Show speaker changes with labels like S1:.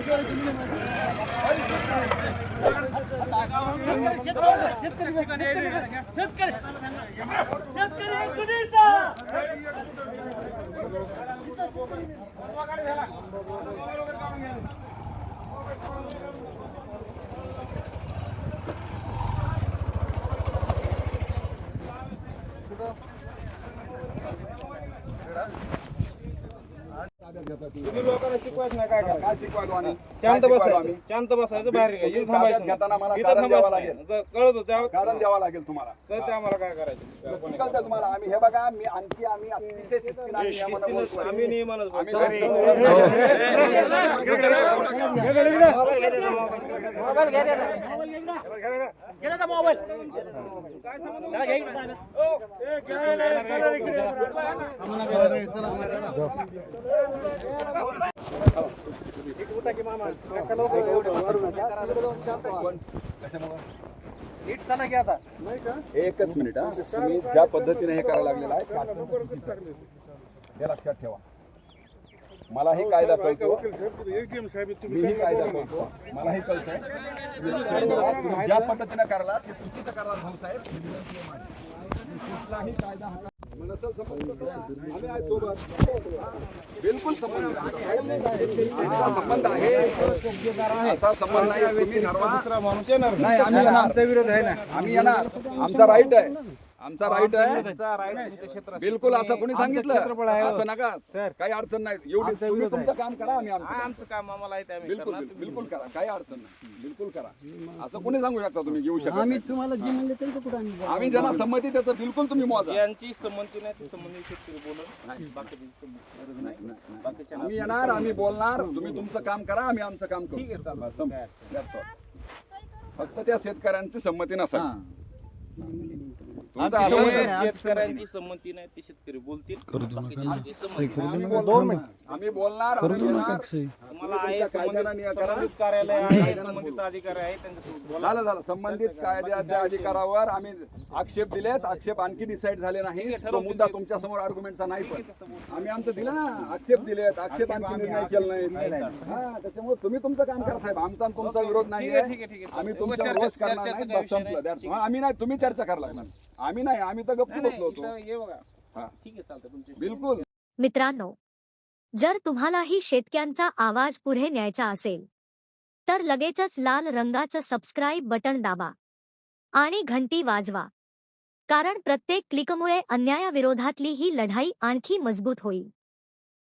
S1: तुम्ही लोकांना शिकवायचं नाही, काय शिकवायला आम्ही? शांत बसायचं बाहेर इथं थांबायचं
S2: घेताना मला
S1: इथं
S2: कारण द्यावं
S1: थांबायचं
S2: लागेल.
S1: नाही. कळत होतं
S2: कारण द्यावं लागेल तुम्हाला.
S1: कळतं आम्हाला काय करायचं.
S2: कळतं तुम्हाला. आम्ही हे बघा, आम्ही अतिशय शिस्तीने आणि नियमानं बोलतोय.
S1: आम्ही नियमानच
S2: आम्ही
S1: बोलतो.
S2: एकच मिनिट हा. तुम्ही ज्या पद्धतीने हे करायला लागलेलं आहे हे लक्षात ठेवा. मलाही कायदा कळतो, मीही कायदा कळतो, मलाही कळतंय. तुम्ही ज्या पद्धतीने करायला ते चुकीचं करायला भाऊसाहेब. कुठलाही कायदा हा नसेल संबंध तर आम्ही आहे सोबत. बिलकुल संबंध आहे. असा संबंध आहे, असा संबंध नाही. तुम्ही ठरवा. नाही, आम्ही येणार. आमचा विरोध आहे ना, आम्ही येणार. आमचा राईट आहे, आमचा राईट आहे. बिलकुल असं कोणी सांगितलं असं नका सर. काही अडचण नाही. एवढी तुम्ही तुमचं काम करा, आम्ही
S1: आमचं काम आम्हाला आहे ते आम्ही
S2: बिलकुल
S1: करणार.
S2: बिलकुल करा. काही अडचण नाही. बिलकुल करा. असं कोणी सांगू शकता तुम्ही घेऊ शकता.
S3: आम्ही तुम्हाला जे म्हणले तरी कुठं
S2: आम्ही ज्यांना संमती त्याचं बिलकुल तुम्ही मोजा.
S1: यांची संमती नाही ती संबंधित शेतकरी बोलत बाकीची संमती नाही. बाकीच्या
S2: आम्ही येणार, आम्ही बोलणार. तुम्ही तुमचं काम करा, आम्ही आमचं काम करू.
S1: ठीक आहे, चालेल.
S2: संपलं. That's all. फक्त त्या शेतकऱ्यांची संमती नसावी. तुमचं असं
S1: जे शेतकऱ्यांची संमती नाही ते शेतकरी बोलतील. बाकीच्यांची संमती नाही.
S2: आम्ही बोलणार, आम्ही येणार.
S1: तुम्हाला आहे
S2: तुमच्या कायद्याला
S1: संबंधित
S2: निया करा.
S1: संबंधित कार्यालय आहे, संबंधित अधिकारी आहे त्यांच्यासोबत बोला.
S2: झालं संबंधित कायद्याच्या अधिकारावर आम्ही आक्षेप दिलेत. आक्षेप आणखी डिसाईड झाले नाही. तो मुद्दा तुमच्या समोर आर्ग्युमेंटचा नाही. पण आम्ही आमचं दिलं ना, आक्षेप दिलेत. आक्षेप आणखी निर्णय केला नाही. हा, त्याच्यामुळे तुम्ही तुमचं काम करा साहेब. आमचा आणि तुमचा विरोध नाही.
S1: ठीक आहे.
S2: आम्ही तुमचा विरोध करणार नाही. बस संपलं. That's all. आम्ही नाही, तुम्ही चर्चा करायला लागणार. आम्ही नाही, आम्ही तर गप्पी बसलो होतो.
S1: हे बघा.
S2: हा.
S1: ठीक आहे, चालतं तुमची.
S2: बिलकुल.
S4: मित्रांनो, जर तुम्हालाही शेतकऱ्यांचा आवाज पुढे न्यायचा असेल तर लगेचच लाल रंगाचं सबस्क्राईब बटन दाबा आणि घंटी वाजवा, कारण प्रत्येक क्लिकमुळे अन्यायाविरोधातली ही लढाई आणखी मजबूत होईल.